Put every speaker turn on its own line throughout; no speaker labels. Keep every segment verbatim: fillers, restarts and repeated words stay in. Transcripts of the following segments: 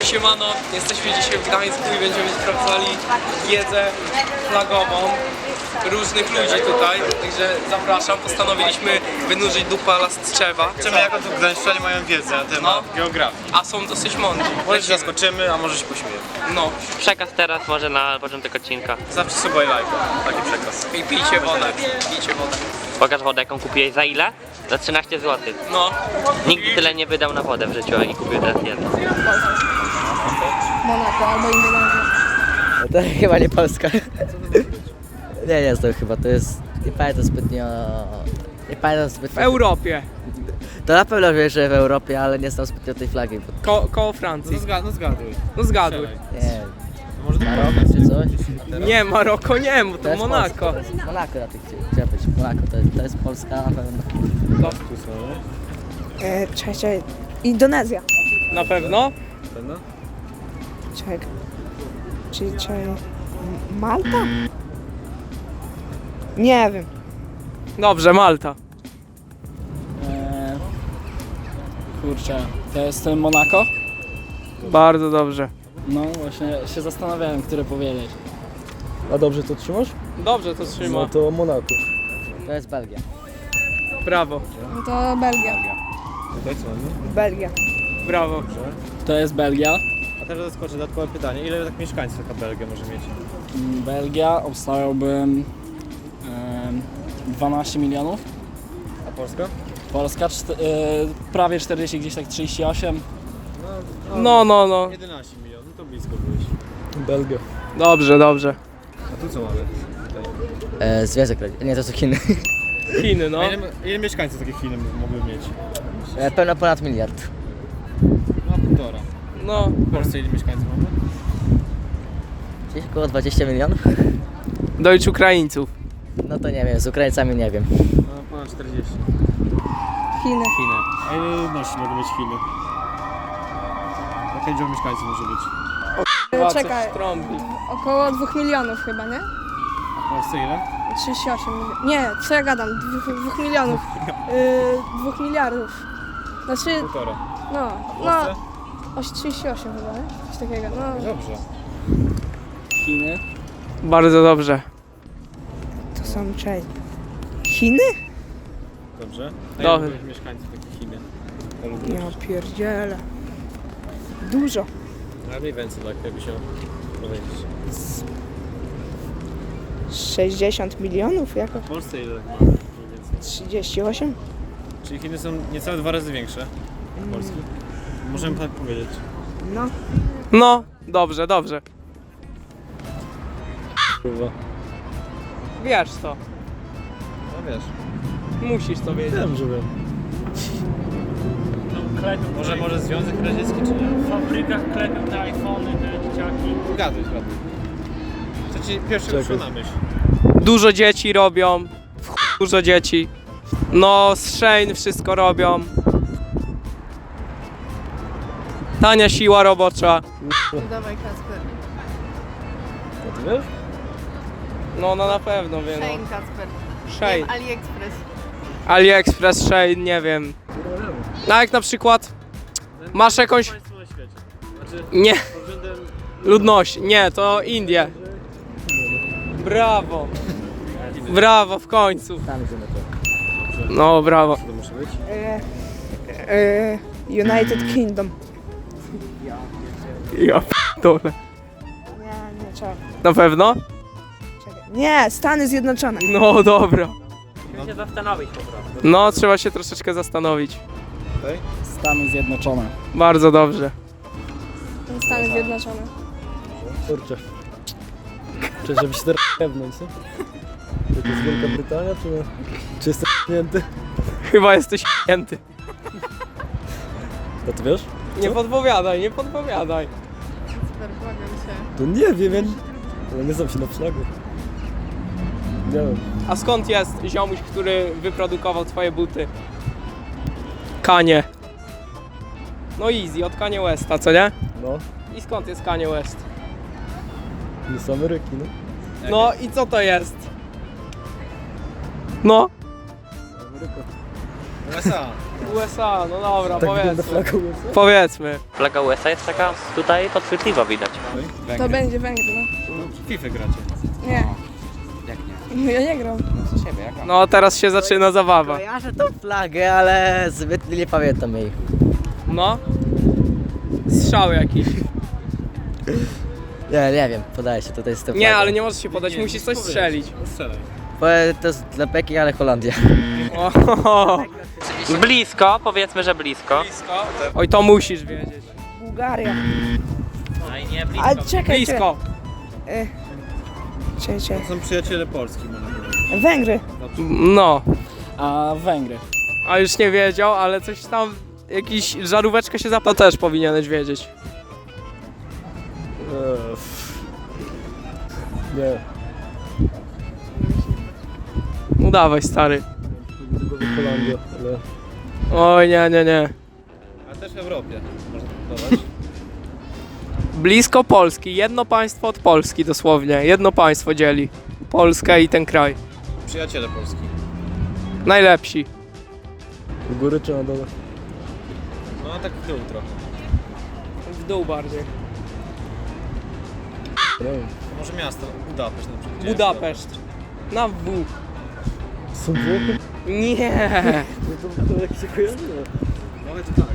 Siemano, jesteśmy dzisiaj w Gdańsku i będziemy sprawdzali wiedzę flagową różnych ludzi tutaj, także zapraszam. Postanowiliśmy wynurzyć dupa Lastrzewa.
Zobaczymy, jaką tu gdańszczanie mają wiedzę na temat
No.
geografii.
A są dosyć mądrzy.
Może się zaskoczymy, a może się pośmiejemy.
No
Przekaz teraz może na początek odcinka.
Zawsze suba i lajka. Taki przekaz.
i pijcie wodę, pijcie wodę.
Pokaż wodę, jaką kupiłeś za ile? Za trzynaście złotych.
No,
Nigdy tyle nie wydał na wodę w życiu i kupił teraz jedno.
Monako albo Indonezja.
No to chyba nie Polska. Nie, nie znam chyba, to jest... Nie pamiętam zbytnio... Nie pamiętam
w
zbytnio...
Europie,
To na pewno wiem, że w Europie, ale nie znam zbytnio tej flagi, bo...
ko koło Francji.
zgad no zgaduj.
No zgaduj.
Nie wiem,
Może to
Maroko czy coś?
Nie, Maroko nie, bo
To
to
jest
Monako.
Polska, to jest Monako na tych chciałem być. Monako, to jest, to jest Polska na pewno.
E, czekaj, czekaj. Indonezja.
Na pewno?
Pewno?
Czekaj. Czyli czekaj. M- Malta? Nie wiem.
Dobrze, Malta.
Eee, kurczę, to jest Monako?
Bardzo dobrze.
No właśnie się zastanawiałem, które powiedzieć.
A dobrze to trzymasz?
Dobrze to trzyma.
No to Monako.
To jest Belgia.
Brawo,
No to Belgia.
Tutaj co mamy?
Belgia.
brawo.
To jest Belgia.
A teraz zaskoczę dodatkowe pytanie. Ile tak mieszkańców taka Belgia może mieć?
Mm, Belgia obstawiałbym em, dwanaście milionów.
A Polska?
Polska czte, e, prawie czterdzieści, gdzieś tak trzydzieści osiem.
No, no, no.
jedenaście milionów, to blisko byłeś.
Belgia.
Dobrze, dobrze.
A tu co mamy? Tutaj.
E, Związek Radziecki. Nie, to są Chiny.
Chiny, no.
A ile, ile mieszkańców takie Chiny mogły mieć?
E, pewno ponad miliard.
No półtora.
No,
W Polsce ile mieszkańców mamy?
Gdzieś około dwadzieścia milionów?
Deutsch Ukraińców.
No to nie wiem, z Ukraińcami nie wiem.
No ponad czterdzieści.
Chiny.
Chiny. A ile ludności mogą mieć Chiny? Jakie liczba mieszkańców może być?
Chyba coś
Czekaj.
trąbi.
Około dwóch milionów chyba, nie?
A w Polsce ile?
trzydzieści osiem milionów. Nie, co ja gadam? Dwóch, dwóch milionów. Yy, dwóch miliardów. Znaczy,
Półtora.
no,
W
no,
Polsce?
oś- trzydzieści osiem chyba, nie? Coś takiego, no.
Dobrze.
Chiny.
Bardzo dobrze.
To są, czekaj. Chiny?
Dobrze. A
Dobrze.
ile mieszkańców takie Chiny?
Ja pierdzielę. Dużo.
A mniej więcej tak, jakby się powiedzieć.
sześćdziesiąt milionów? Jako
W Polsce ile ma mniej więcej?
trzydzieści osiem?
Czyli Chiny są niecałe dwa razy większe od Polski. Możemy tak powiedzieć.
No.
No, dobrze, dobrze.
Kurwa.
Wiesz to.
No wiesz.
Musisz to wiedzieć.
Wiem, że wiem.
Może, może Związek Radziecki czy nie?
W fabrykach klepią te iPhony, te dzieciaki.
Gaduj, gaduj. Co ci pierwszy
Czekaj.
przyszło na myśl?
Dużo dzieci robią. W chuj dużo dzieci. No, z Shein wszystko robią. Tania siła robocza.
Dawaj Kacper.
A ty wiesz?
No, no na pewno wiem.
Shane
No.
Kacper.
Shein.
Nie, AliExpress.
AliExpress, Shein, nie wiem. No jak na przykład masz jakąś...
Państwo na świecie. Znaczy,
Nie,
pod względem...
ludności. Nie, to Indie. Brawo. Brawo, w końcu.
Tam idziemy to.
No, brawo.
Co to musi być?
E, e, United Kingdom.
Ja p***dolę.
Nie, nie, czekaj.
Na pewno?
czekaj. Nie, Stany Zjednoczone.
No, dobra.
Musimy się zastanowić po prostu.
No, trzeba się troszeczkę zastanowić.
Tutaj?
Stany Zjednoczone.
Bardzo dobrze.
Stany Zjednoczone.
Kurczę. Czy żeby się teraz pewność, co? Czy to jest Wielka Brytania, czy nie? Czy jestem p***nięty?
Chyba jesteś p***nięty.
A ty wiesz?
Nie podpowiadaj, nie podpowiadaj.
Kacper, błagam cię.
To nie wiem, ja nie, ja nie znam się na flagu. Nie wiem.
A skąd jest ziomuś, który wyprodukował twoje buty? Kanie. No easy, od Kanye Westa, co nie?
No,
I skąd jest Kanye West?
nie z Ameryki, no.
No i co to jest? No,
Ameryka.
U S A.
U S A, no dobra,
Tak wygląda
powiedzmy.
flaga U S A?
Powiedzmy.
Flaga U S A jest taka tutaj podchwytliwa widać.
To będzie Węgry, no.
FIFA gracie.
Nie. No ja nie gram.
No teraz się zaczyna zabawa.
Kojarzę tą flagę, ale zbyt nie pamiętam jej.
No. Strzał jakiś.
Nie, nie wiem, podaję się tutaj z tą
Nie,
flagą.
ale nie możesz się podać, musisz coś strzelić.
Strzelaj.
Bo to jest dla Beki, ale Holandia.
Ohoho.
Blisko, powiedzmy, że blisko.
Oj, to musisz wiedzieć.
Bułgaria.
No i nie blisko.
A czekaj,
Blisko.
czekaj. Czekaj, czekaj.
To są przyjaciele Polski, można powiedzieć.
Węgry.
No.
A Węgry.
A już nie wiedział, ale coś tam, jakiś żaróweczka się zapyta, też powinieneś wiedzieć.
Eee, Nie,
No dawaj, stary.
tylko Holandia, ale...
Oj, nie, nie, nie.
A też w Europie, można dodać.
Blisko Polski, jedno państwo od Polski dosłownie. Jedno państwo dzieli Polskę i ten kraj.
Przyjaciele Polski.
Najlepsi.
W góry czy na dole?
No a tak w dół trochę.
W dół bardziej.
Nie wiem.
Może miasto, Budapeszt na przykład.
Budapeszt. Na W.
Są Włochy?
Nie.
No to jak się kojarzy?
No ale to tak.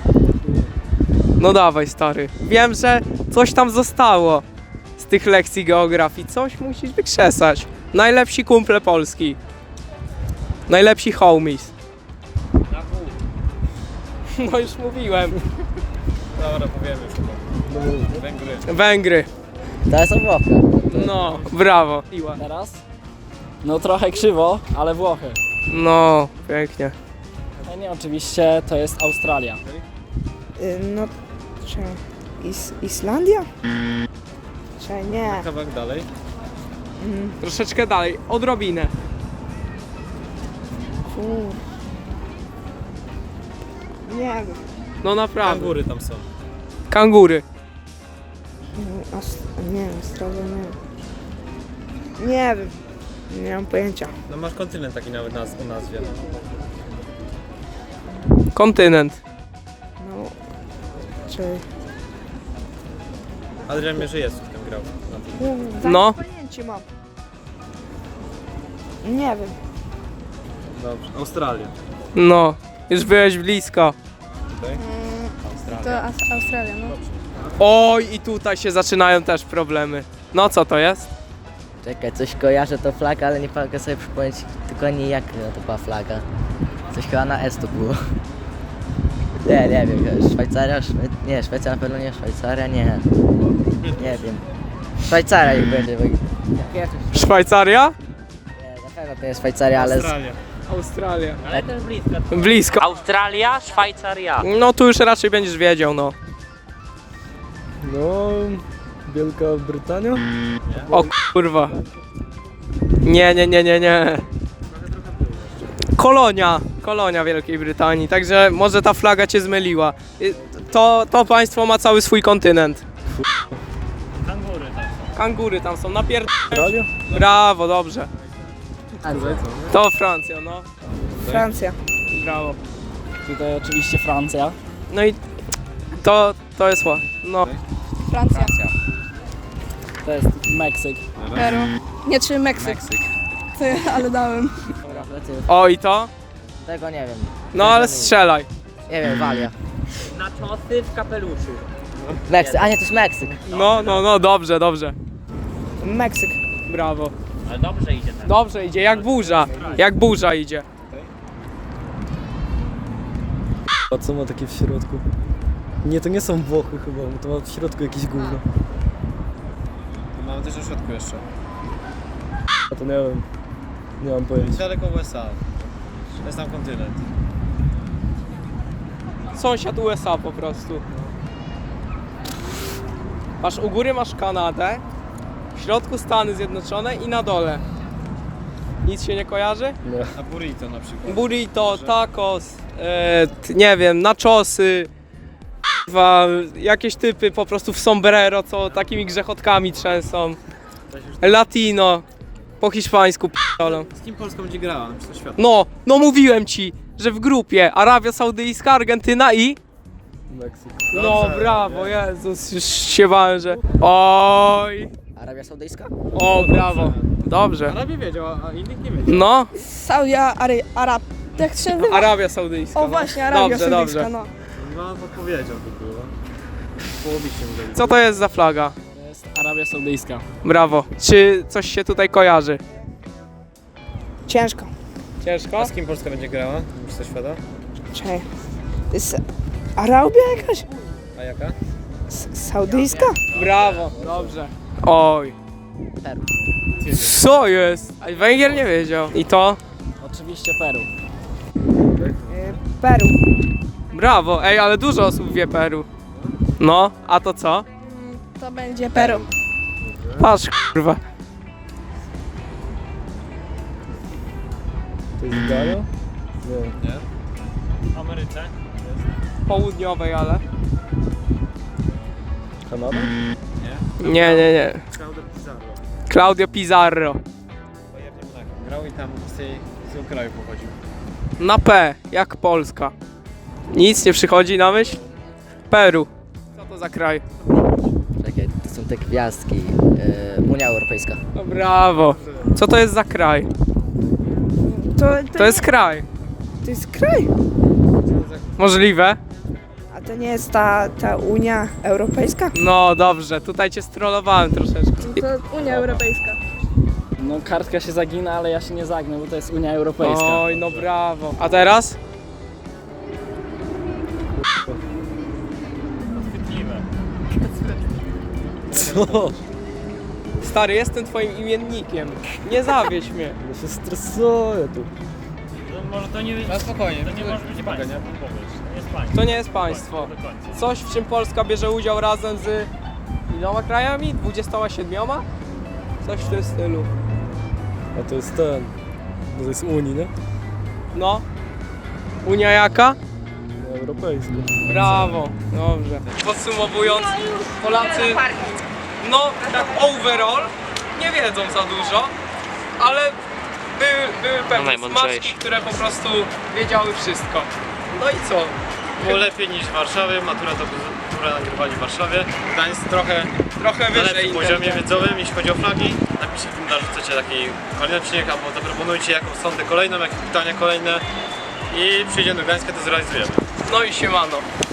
No dawaj, stary. Wiem, że coś tam zostało z tych lekcji geografii. Coś musisz wykrzesać. Najlepsi kumple Polski. Najlepsi homies. No już mówiłem.
Dobra, powiemy już chyba.
No,
Węgry.
Węgry.
To są Włochy.
No, brawo. Iła.
Teraz? No trochę krzywo, ale Włochy.
No, pięknie.
A nie, oczywiście to jest Australia.
No, czekaj. Is Islandia? Czekaj, nie.
Kawałek dalej.
Troszeczkę dalej, odrobinę.
Kur... Nie wiem.
No naprawdę.
Kangury tam są.
Kangury.
Ast... Nie wiem, Australia, nie wiem. Nie wiem. Nie mam pojęcia.
No masz kontynent taki nawet naz o nazwie.
Kontynent.
No. Czekaj.
Adrian Mierzejewski tam grał. Na tym.
Kurde,
No.
pojęcie mam. Nie wiem.
Dobrze. Australia.
No, już byłeś blisko.
To Aus Australia, no.
Oj, i tutaj się zaczynają też problemy. No co to jest?
Czekaj, coś kojarzę to flaga, ale nie mogę sobie przypomnieć dokładnie jak to była flaga. Coś chyba na S to było. Nie, nie wiem, Szwajcaria, Szwe... nie, Szwecja na pewno nie, Szwajcaria nie. Nie wiem. Szwajcaria niech będzie, bo... Jak coś...
Szwajcaria?
Nie, na pewno to nie Szwajcaria, ale... Z...
Australia.
Australia.
Ale to jest blisko.
Blisko.
Australia, Szwajcaria.
No tu już raczej będziesz wiedział, no.
No, Wielka Brytania?
O kurwa. Nie, nie, nie, nie, nie. Kolonia. Kolonia Wielkiej Brytanii, także może ta flaga cię zmyliła. Y, To, to państwo ma cały swój kontynent.
Kangury tam są.
Kangury tam są, napierd...
Australia?
Brawo, dobrze. To Francja, no.
Francja.
Brawo.
Tutaj oczywiście Francja.
No i to, to jest ła. No.
Francja.
To jest Meksyk.
Peru. Nie, czy Meksyk. Ty, ale dałem.
O i to?
Tego nie wiem.
No ale strzelaj.
Nie wiem, Walia.
Na czosy w kapeluszu.
Meksyk, a nie, to jest Meksyk.
No, no, no, dobrze, dobrze.
Meksyk.
Brawo.
Ale dobrze idzie teraz.
Dobrze idzie, jak burza. Jak burza idzie.
A co ma takie w środku? Nie, to nie są Włochy chyba, bo to ma w środku jakieś gówno.
Mamy też na środku jeszcze.
A to nie wiem. Nie mam pojęcia.
Daleko U S A. To jest tam kontynent.
Sąsiad U S A po prostu. Masz u góry masz Kanadę, w środku Stany Zjednoczone i na dole. Nic się nie kojarzy?
Nie.
A burrito na przykład.
Burrito, tacos, e, t- nie wiem, nachosy, k***wa, jakieś typy po prostu w sombrero, co takimi grzechotkami trzęsą. Latino, po hiszpańsku p***olą.
Z kim Polska będzie grała na Mistrzostwach Świata?
No, no mówiłem ci, że w grupie Arabia Saudyjska, Argentyna i...
Meksyk.
No brawo, Jezus, już się bałem, że... Oj,
Arabia Saudyjska?
o brawo, dobrze.
Arabie wiedział, a innych nie wiedział.
No,
Saudia Ary, Arab. Jak to się nazywa?
Arabia Saudyjska.
O
no.
właśnie, Arabia
Dobrze,
Saudyjska,
dobrze.
no.
No, podpowiedział to było. Połowicznie mu dali.
Co to jest za flaga?
To jest Arabia Saudyjska.
Brawo. Czy coś się tutaj kojarzy?
Ciężko.
Ciężko?
A z kim Polska będzie grała? Już coś świata?
Czekaj. To jest Arabia jakaś?
A jaka?
S- Saudyjska?
Brawo, dobrze. Oj.
Peru.
Co jest? A Węgier nie wiedział. I to?
Oczywiście Peru.
Peru.
Brawo. Ej, ale dużo osób wie Peru. No, a to co?
To będzie Peru.
Patrz, kurwa.
To jest Ghana? Nie.
W Ameryce.
Południowej, ale.
Kanada?
Nie, nie, nie.
Claudio Pizarro.
Claudio Pizarro.
Bayernie Monaco. Grał i tam z, tej, z tego kraju pochodził.
Na P, jak Polska. Nic nie przychodzi na myśl? Peru. Co to za kraj?
Czekaj, to są te gwiazdki. E, Unia Europejska.
No brawo. Co to jest za kraj?
To, to,
To jest kraj.
to jest kraj.
Możliwe?
A to nie jest ta, ta Unia Europejska?
No dobrze, tutaj cię strollowałem troszeczkę.
To Unia Europejska.
No kartka się zagina, ale ja się nie zagnę, bo to jest Unia Europejska.
Oj, no brawo. A teraz?
Chwytliwe.
Co?
Stary, jestem twoim imiennikiem. Nie zawiedź mnie.
Ja się stresuję tu.
No, może to nie,
No spokojnie.
to nie może być państwo.
nie?
Powiedz, to nie jest państwo.
To nie jest państwo.
Do końca.
Coś, w czym Polska bierze udział razem z iloma krajami? dwudziestoma siedmioma? Coś w tym stylu.
A to jest ten. To jest Unii, nie?
No. Unia jaka?
Unia Europejska.
Brawo, dobrze. Podsumowując, Polacy, no tak overall, nie wiedzą za dużo, ale były, były pewne
najmądrzejsi.
smaczki, które po prostu wiedziały wszystko. No i co?
Było lepiej niż w Warszawie, matura to matura nagrywali w Warszawie. Gdańsk trochę
Trochę
na
wyżej
lepszym poziomie
inteligentnie.
wiedzowym, jeśli chodzi o flagi. Napiszcie w komentarzach, chcecie taki kolejny odcinek, albo zaproponujcie jaką sondę kolejną, jakie pytania kolejne i przyjdziemy do Gdańska, to zrealizujemy.
No i siemano.